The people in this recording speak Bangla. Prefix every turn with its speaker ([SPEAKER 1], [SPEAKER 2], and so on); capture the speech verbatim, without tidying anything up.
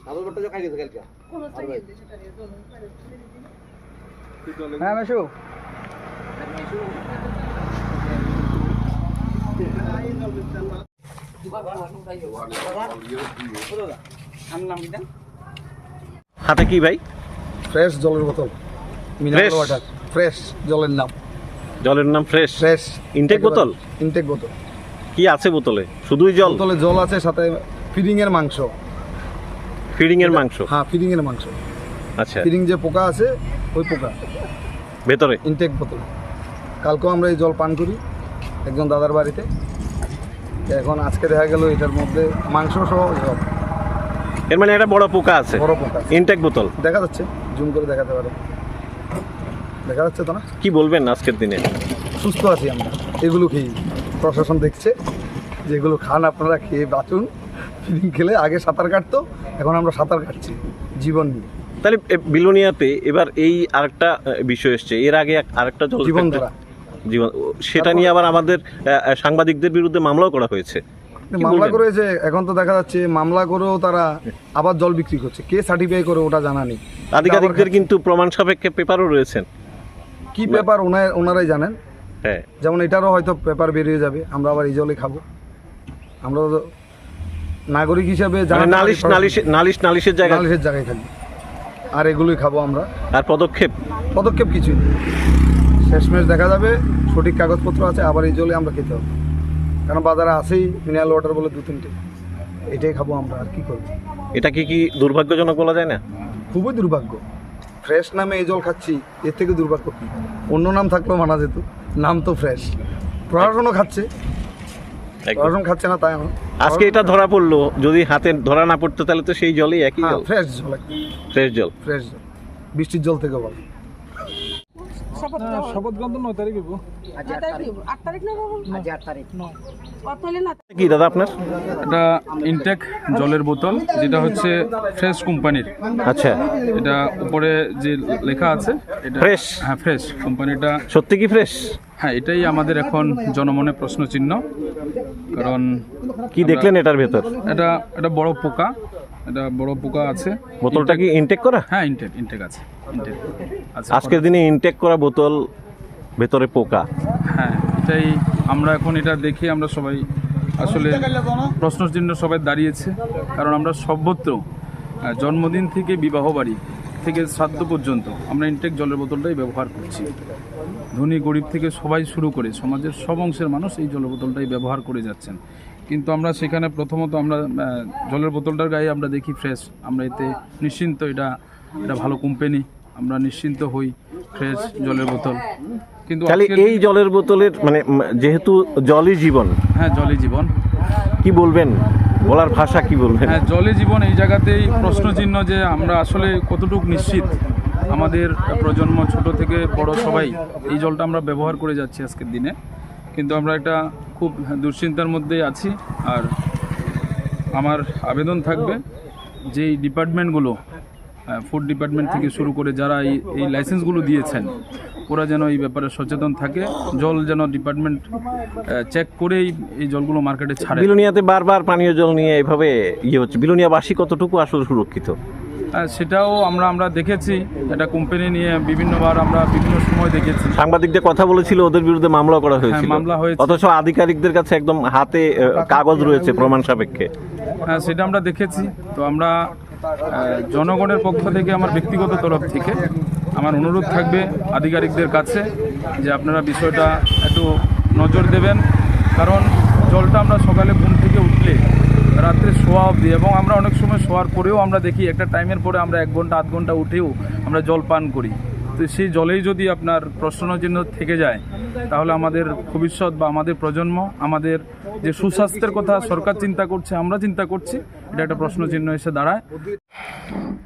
[SPEAKER 1] হ্যাঁ মেশু
[SPEAKER 2] হাতে কি ভাই?
[SPEAKER 1] ফ্রেশ জলের বোতল, মিনারেল ওয়াটার, ফ্রেশ জলের নাম।
[SPEAKER 2] জলের নাম ফ্রেশ?
[SPEAKER 1] ফ্রেশ
[SPEAKER 2] ইনটেক বোতল?
[SPEAKER 1] ইনটেক বোতল।
[SPEAKER 2] কি আছে বোতলে? শুধুই জল?
[SPEAKER 1] বোতলে জল আছে, সাথে ফিডিং এর মাংস।
[SPEAKER 2] ফিডিং এর মাংস?
[SPEAKER 1] হ্যাঁ, ফিডিং এর মাংস।
[SPEAKER 2] আচ্ছা,
[SPEAKER 1] ফিডিং যে পোকা আছে ওই পোকা
[SPEAKER 2] ভেতরে
[SPEAKER 1] ইনটেক বোতল। কালকেও আমরা এই জল পান করি একজন দাদার বাড়িতে। এখন আজকে দেখা গেল এটার মধ্যে মাংস সহ জল।
[SPEAKER 2] এর মানে এটা বড় পোকা আছে?
[SPEAKER 1] বড় পোকা।
[SPEAKER 2] ইনটেক বোতল
[SPEAKER 1] দেখা যাচ্ছে, জুম করে দেখাতে পারে, দেখা যাচ্ছে তো না?
[SPEAKER 2] কি বলবেন আজকের দিনে?
[SPEAKER 1] সুস্থ আছি আমরা এগুলো খেয়ে। প্রশাসন দেখছে যেগুলো খান আপনারা, খেয়ে বাঁচুন। ফিডিং খেলে আগে সাঁতার কাটতো, এখন আমরা সাঁতার কাটছি জীবন নিয়ে।
[SPEAKER 2] তাহলে বিলোনিয়াতে এবার এই আরেকটা বিষয় এসছে, এর আগে আরেকটা জল
[SPEAKER 1] জীবন ধারা
[SPEAKER 2] জীবন, সেটা নিয়ে আবার আমাদের সাংবাদিকদের বিরুদ্ধে মামলাও করা হয়েছে।
[SPEAKER 1] মামলা করেছে, এখন তো দেখা যাচ্ছে মামলা করেও তারা আবার জল বিক্রি করছে। কে সার্টিফাই করে ওটা জানা নেই।
[SPEAKER 2] আধিকারিকদের কিন্তু প্রমাণ সাপেক্ষে পেপারও রয়েছেন।
[SPEAKER 1] কি পেপার ওনারাই জানেন।
[SPEAKER 2] হ্যাঁ,
[SPEAKER 1] যেমন এটারও হয়তো পেপার বেরিয়ে যাবে, আমরা আবার এই জলে খাবো। আমরা নাগরিক হিসাবে
[SPEAKER 2] নালিশ নালিশ নালিশ নালিশের জায়গায়
[SPEAKER 1] নালিশের জায়গায় থাকবে, আর এগুলোই খাবো আমরা।
[SPEAKER 2] আর পদক্ষেপ
[SPEAKER 1] পদক্ষেপ কিছুই নেই। শেষমেশ দেখা যাবে সঠিক কাগজপত্র আছে, আবার এই জলে আমরা খেতে হবে। কারণ বাজারে আছেই মিনারেল ওয়াটার বলে দু তিনটে, এটাই খাবো আমরা। আর কি করবো?
[SPEAKER 2] এটা কি কি দুর্ভাগ্যজনক বলা যায় না?
[SPEAKER 1] খুবই দুর্ভাগ্য। ফ্রেশ নামে এই জল খাচ্ছি, এর থেকে দুর্ভাগ্য কি? অন্য নাম থাকলেও মানা যেত, নাম তো ফ্রেশ। প্রশাসনও খাচ্ছে, প্রশাসন খাচ্ছে না তাই এখন।
[SPEAKER 2] আজকে এটা ধরা পড়লো, যদি হাতে ধরা না পড়তো তাহলে তো সেই জলই একই জল।
[SPEAKER 1] ফ্রেশ জল,
[SPEAKER 2] ফ্রেশ জল,
[SPEAKER 1] ফ্রেশ জল, বৃষ্টির জল থেকে বল।
[SPEAKER 3] শপথ গ্রহণ নয় তারিখ হইব।
[SPEAKER 4] আট তারিখ না বাবু? আজ আট তারিখ নয়। কত হলে না?
[SPEAKER 2] কি দাদা আপনার?
[SPEAKER 3] এটা ইনটেক জলের বোতল, যেটা হচ্ছে ফ্রেশ কোম্পানির।
[SPEAKER 2] আচ্ছা,
[SPEAKER 3] এটা উপরে যে লেখা আছে এটা
[SPEAKER 2] ফ্রেশ?
[SPEAKER 3] হ্যাঁ, ফ্রেশ কোম্পানিটা।
[SPEAKER 2] সত্যি কি ফ্রেশ?
[SPEAKER 3] হ্যাঁ, এটাই আমাদের এখন জনমনে প্রশ্ন চিহ্ন। কারণ
[SPEAKER 2] কি দেখলেন এটার ভেতর?
[SPEAKER 3] এটা এটা বড় পোকা, এটা বড় পোকা আছে।
[SPEAKER 2] বোতলটা কি ইনটেক করা?
[SPEAKER 3] হ্যাঁ, ইনটেক ইনটেক আছে, ইনটেক আছে।
[SPEAKER 2] আজকের দিনে ইনটেক করা বোতল, ভেতরে পোকা।
[SPEAKER 3] হ্যাঁ, এটাই আমরা এখন এটা দেখে আমরা সবাই আসলে প্রশ্ন চিহ্ন সবাই দাঁড়িয়েছে। কারণ আমরা সর্বত্র জন্মদিন থেকে বিবাহ বাড়ি থেকে শ্রাদ্ধ পর্যন্ত আমরা ইনটেক জলের বোতলটাই ব্যবহার করছি। ধনী গরিব থেকে সবাই শুরু করে সমাজের সব অংশের মানুষ এই জলের বোতলটাই ব্যবহার করে যাচ্ছেন। কিন্তু আমরা সেখানে প্রথমত আমরা জলের বোতলটার গায়ে আমরা দেখি ফ্রেশ, আমরা এতে নিশ্চিন্ত, এটা এটা ভালো কোম্পানি, আমরা নিশ্চিন্ত হই ফ্রেশ জলের বোতল। কিন্তু
[SPEAKER 2] তাহলে এই জলের বোতলের মানে যেহেতু জলই জীবন।
[SPEAKER 3] হ্যাঁ, জলই জীবন।
[SPEAKER 2] কি বলবেন, বলার ভাষা কি বলবেন?
[SPEAKER 3] হ্যাঁ, জলই জীবন। এই জায়গাতেই প্রশ্ন চিহ্ন যে আমরা আসলে কতটুকু নিশ্চিত। আমাদের প্রজন্ম ছোট থেকে বড় সবাই এই জলটা আমরা ব্যবহার করে যাচ্ছি আজকের দিনে, কিন্তু আমরা একটা খুব দুশ্চিন্তার মধ্যেই আছি। আর আমার আবেদন থাকবে যে এই ডিপার্টমেন্টগুলো, ফুড ডিপার্টমেন্ট থেকে শুরু করে যারা এই এই লাইসেন্সগুলো দিয়েছেন, ওরা যেন এই ব্যাপারে সচেতন থাকে। জল যেন ডিপার্টমেন্ট চেক করে এই জলগুলো মার্কেটে ছাড়ে।
[SPEAKER 2] বিলোনিয়াতে বারবার পানীয় জল নিয়ে এইভাবে ইয়ে হচ্ছে, বিলোনিয়াবাসী কতটুকু আসলে সুরক্ষিত?
[SPEAKER 3] সেটাও আমরা আমরা দেখেছি, এটা কোম্পানি নিয়ে বিভিন্নবার আমরা বিভিন্ন সময় দেখেছি।
[SPEAKER 2] সাংবাদিকদের কথা বলেছিল, ওদের বিরুদ্ধে মামলা করা হয়েছিল।
[SPEAKER 3] মামলা হয়েছে,
[SPEAKER 2] অথচ আধিকারিকদের কাছে একদম হাতে কাগজ রয়েছে প্রমাণ সাপেক্ষে।
[SPEAKER 3] হ্যাঁ, সেটা আমরা দেখেছি। তো আমরা জনগণের পক্ষ থেকে, আমার ব্যক্তিগত তরফ থেকে আমার অনুরোধ থাকবে আধিকারিকদের কাছে যে আপনারা বিষয়টা একটু নজর দেবেন। কারণ জলটা আমরা সকালে ঘুম থেকে উঠলে রাত্রে শোয়া অবধি, এবং আমরা অনেক সময় শোয়ার পরেও আমরা দেখি একটা টাইমের পরে আমরা এক ঘন্টা আধ ঘন্টা উঠেও আমরা জল পান করি। তো সেই জলেই যদি আপনার প্রশ্নচিহ্ন থেকে যায়, তাহলে আমাদের ভবিষ্যৎ বা আমাদের প্রজন্ম, আমাদের যে সুস্বাস্থ্যের কথা সরকার চিন্তা করছে, আমরা চিন্তা করছি, এটা একটা প্রশ্নচিহ্ন এসে দাঁড়ায়।